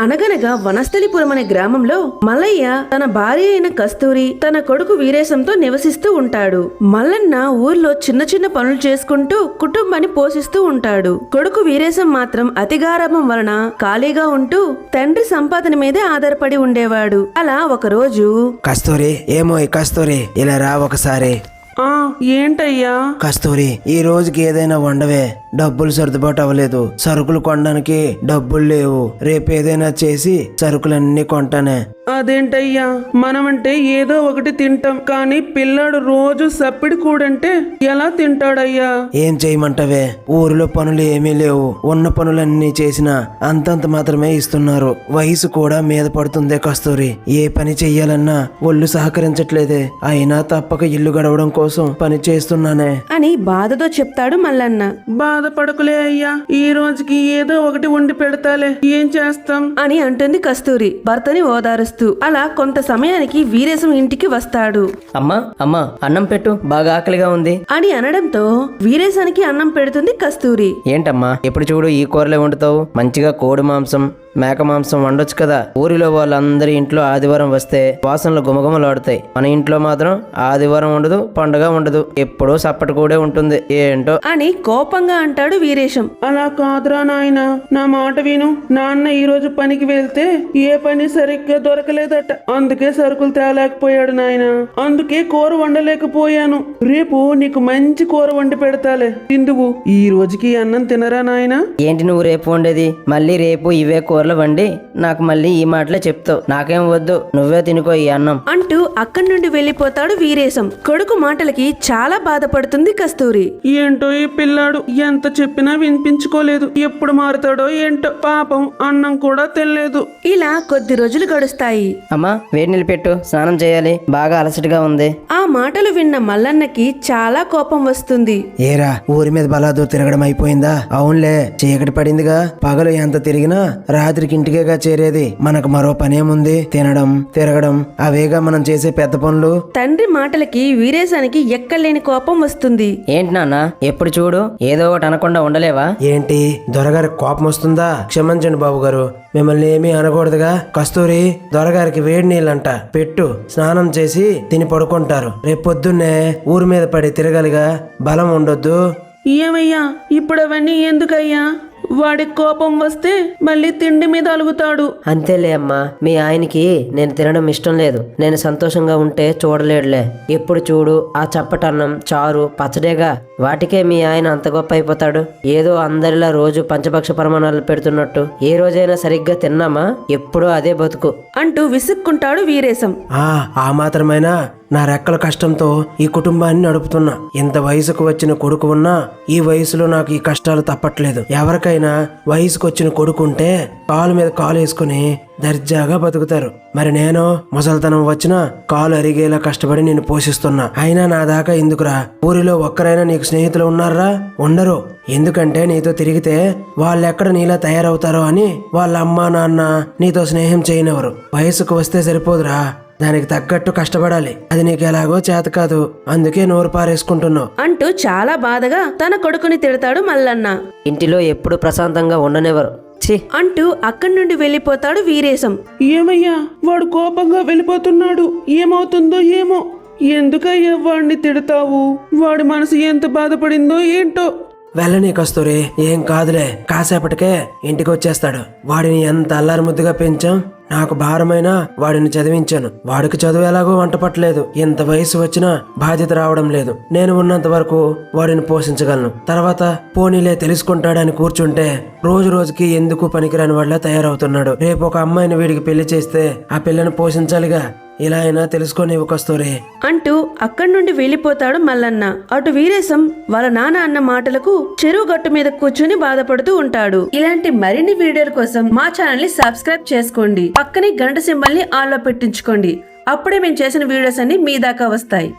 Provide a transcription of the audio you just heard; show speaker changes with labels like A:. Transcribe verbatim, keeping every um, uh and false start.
A: అనగనగా వనస్థలిపురం అనే గ్రామంలో మల్లయ్య తన భార్య అయిన కస్తూరి తన కొడుకు వీరేశంతో నివసిస్తూ ఉంటాడు. మల్లన్న ఊర్లో చిన్న చిన్న పనులు చేసుకుంటూ కుటుంబాన్ని పోషిస్తూ ఉంటాడు. కొడుకు వీరేశం మాత్రం అతిగారాభం వలన ఖాళీగా ఉంటూ తండ్రి సంపాదన మీదే ఆధారపడి ఉండేవాడు. అలా ఒకరోజు,
B: కస్తూరి, ఏమో ఈ కస్తూరి, ఇలా రా ఒకసారి.
C: ఆ ఏంటయ్యా?
B: కస్తూరి, ఈ రోజుకి ఏదైనా వండవే. డబ్బులు సర్దుబాటు అవ్వలేదు, సరుకులు కొనడానికి డబ్బులు లేవు. రేపు ఏదైనా చేసి సరుకులన్నీ కొంటానే.
C: అదేంటయ్యా, మనమంటే ఏదో ఒకటి తింటాం, కానీ పిల్లాడు రోజు సప్పిడి కూడంటే ఎలా తింటాడయ్యా?
B: ఏం చేయమంటావే, ఊరిలో పనులు ఏమీ లేవు. ఉన్న పనులన్నీ చేసినా అంతంత మాత్రమే ఇస్తున్నారు. వయసు కూడా మీద పడుతుందే కస్తూరి. ఏ పని చెయ్యాలన్నా ఒళ్ళు సహకరించట్లేదే. అయినా తప్పక ఇల్లు గడవడం కోసం పని చేస్తున్నానే
A: అని బాధతో చెప్తాడు మల్లన్న.
C: బాధపడకులే అయ్యా, ఈ రోజుకి ఏదో ఒకటి వండి పెడతాలే, ఏం చేస్తాం
A: అని అంటుంది కస్తూరి భర్తని ఓదారుస్తూ. అలా కొంత సమయానికి వీరేశం ఇంటికి వస్తాడు.
D: అమ్మా అమ్మా అన్నం పెట్టు, బాగా ఆకలిగా ఉంది
A: అని అనడంతో వీరేశానికి అన్నం పెడుతుంది కస్తూరి.
D: ఏంటమ్మా ఎప్పుడు చూడు ఈ కూరలే వండుతావు? మంచిగా కోడి మాంసం, మేక మాంసం వండొచ్చు కదా. ఊరిలో వాళ్ళందరి ఇంట్లో ఆదివారం వస్తే వాసనలు గుమగుమలాడుతాయి. మన ఇంట్లో మాత్రం ఆదివారం ఉండదు, పండుగ ఉండదు, ఎప్పుడూ సప్పటి కూడే ఉంటుంది. ఏంటో
A: అని కోపంగా అంటాడు వీరేశం.
C: అలా కాదురా నాయన, నా మాట విను. నాన్న ఈ రోజు పనికి వెళ్తే ఏ పని సరిగ్గా దొరకలేదట, అందుకే సరుకులు తేలేకపోయాడు నాయన. అందుకే కూర వండలేకపోయాను. రేపు నీకు మంచి కూర వండి పెడతాలే, తిందువు. ఈ రోజుకి అన్నం తినరా నాయన?
D: ఏంటి నువ్వు రేపు వండేది? మళ్ళీ రేపు ఇవే కూరలు వండి నాకు మళ్ళీ ఈ మాటలే చెప్తావు. నాకేం వద్దు, నువ్వే తినుకో ఈ అన్నం
A: అంటూ అక్కడి నుండి వెళ్లిపోతాడు వీరేశం. కొడుకు మాటలకి చాలా బాధపడుతుంది కస్తూరి.
C: ఏంటో ఈ పిల్లాడు, ఎంత చెప్పినా వినిపించుకోలేదు. ఎప్పుడు మారుతాడో ఏంటో. పాపం అన్నం కూడా తినలేదు.
A: ఇలా కొద్ది రోజులు గడుస్తాయి.
D: అమ్మా వేడి నీళ్ళు పెట్టు, స్నానం చేయాలి, బాగా అలసటగా ఉంది.
A: ఆ మాటలు విన్న మల్లన్నకి చాలా కోపం వస్తుంది.
B: ఏరా, ఊరి మీద బలాదూర్ తిరగడం అయిపోయిందా? అవునులే, చీకటి పడిందిగా. పగలు ఎంత తిరిగినా రాత్రికి ఇంటికేగా చేరేది. మనకు మరో పనేముంది? తినడం, తిరగడం, అవేగా మనం చేసే పెద్ద పనులు.
A: తండ్రి మాటలకి వీరేశానికి ఎక్కలేని కోపం వస్తుంది.
D: ఏంటి నాన్న ఎప్పుడు చూడు ఏదో ఒకటి అనకుండా ఉండలేవా?
B: ఏంటి, దొరగారి కోపం వస్తుందా? క్షమించండి బాబు గారు, మిమ్మల్ని ఏమీ అనకూడదుగా. కస్తూరి, దొరగారికి వేడి నీళ్ళంట పెట్టు, స్నానం చేసి తిని పడుకుంటారు. రేపు పొద్దున్నే ఊరి మీద పడి తిరగలిగా బలం ఉండొద్దు.
C: ఏమయ్యా ఇప్పుడు అవన్నీ ఎందుకయ్యా? వాడి కోపం వస్తే మళ్ళీ తిండి మీద అలుగుతాడు.
D: అంతేలే అమ్మా, మీ ఆయనకి నేను తినడం ఇష్టం లేదు. నేను సంతోషంగా ఉంటే చూడలేడులే. ఎప్పుడు చూడు ఆ చప్పటన్నం, చారు, పచ్చడేగా. వాటికే మీ ఆయన అంత గొప్ప అయిపోతాడు. ఏదో అందరిలా రోజు పంచభక్ష ప్రమాణాలు పెడుతున్నట్టు ఏ రోజైనా సరిగ్గా తిన్నామా? ఎప్పుడూ అదే బతుకు
A: అంటూ విసుక్కుంటాడు వీరేశం.
B: ఆ ఆ మాత్రమైనా నా రెక్కల కష్టంతో ఈ కుటుంబాన్ని నడుపుతున్నా. ఇంత వయసుకు వచ్చిన కొడుకు ఉన్నా ఈ వయసులో నాకు ఈ కష్టాలు తప్పట్లేదు. ఎవరికైనా వయసుకు వచ్చిన కొడుకు ఉంటే కాలు మీద కాలు వేసుకుని దర్జాగా బతుకుతారు. మరి నేను ముసల్తనం వచ్చినా కాలు అరిగేలా కష్టపడి నేను పోషిస్తున్నా. అయినా నా దాకా ఎందుకురా? ఊరిలో ఒక్కరైనా నీకు స్నేహితులు ఉన్నారా? ఉండరు. ఎందుకంటే నీతో తిరిగితే వాళ్ళెక్కడ నీలా తయారవుతారో అని వాళ్ళ అమ్మా నాన్న నీతో స్నేహం చేయనివ్వరు. వయసుకు వస్తే సరిపోదురా, దానికి తగ్గట్టు కష్టపడాలి. అది నీకు ఎలాగో చేత కాదు, అందుకే నోరు పారేసుకుంటున్నావు
A: అంటూ చాలా బాధగా తన కొడుకుని తిడతాడు మల్లన్న.
D: ఇంటిలో ఎప్పుడు ప్రశాంతంగా ఉండనివ్వరు. ఛీ
A: అంటూ అక్కడి నుండి వెళ్లిపోతాడు వీరేశం.
C: ఏమయ్యా, వాడు కోపంగా వెళ్ళిపోతున్నాడు. ఏమవుతుందో ఏమో. ఎందుకయ్యా వాడిని తిడతావు? వాడి మనసు ఎంత బాధపడిందో ఏంటో.
B: వెళ్ళని కస్తూరి, ఏం కాదులే, కాసేపటికే ఇంటికి వచ్చేస్తాడు. వాడిని ఎంత అల్లారి ముద్దుగా పెంచాం. నాకు భారమైనా వాడిని చదివించాను. వాడికి చదువు ఎలాగో వంట పట్టలేదు. ఎంత వయసు వచ్చినా బాధ్యత రావడం లేదు. నేను ఉన్నంత వరకు వాడిని పోషించగలను. తర్వాత పోనీలే తెలుసుకుంటాడని కూర్చుంటే రోజు రోజుకి ఎందుకు పనికిరాని వాళ్ళ తయారవుతున్నాడు. రేపు ఒక అమ్మాయిని వీడికి పెళ్లి చేస్తే ఆ పిల్లని పోషించాలిగా. ఇలా అయినా తెలుసుకొని కస్తూరి
A: అంటూ అక్కడి నుండి వెళ్లిపోతాడు మల్లన్న. అటు వీరేశం వాళ్ళ నాన్న అన్న మాటలకు చెరువు గట్టు మీద కూర్చుని బాధపడుతూ ఉంటాడు. ఇలాంటి మరిన్ని వీడియోల కోసం మా ఛానల్ ని సబ్స్క్రైబ్ చేసుకోండి. పక్కనే గంట సింబల్ ని ఆన్ లో పెట్టించుకోండి. అప్పుడే మేము చేసిన వీడియోస్ అన్ని మీ దాకా వస్తాయి.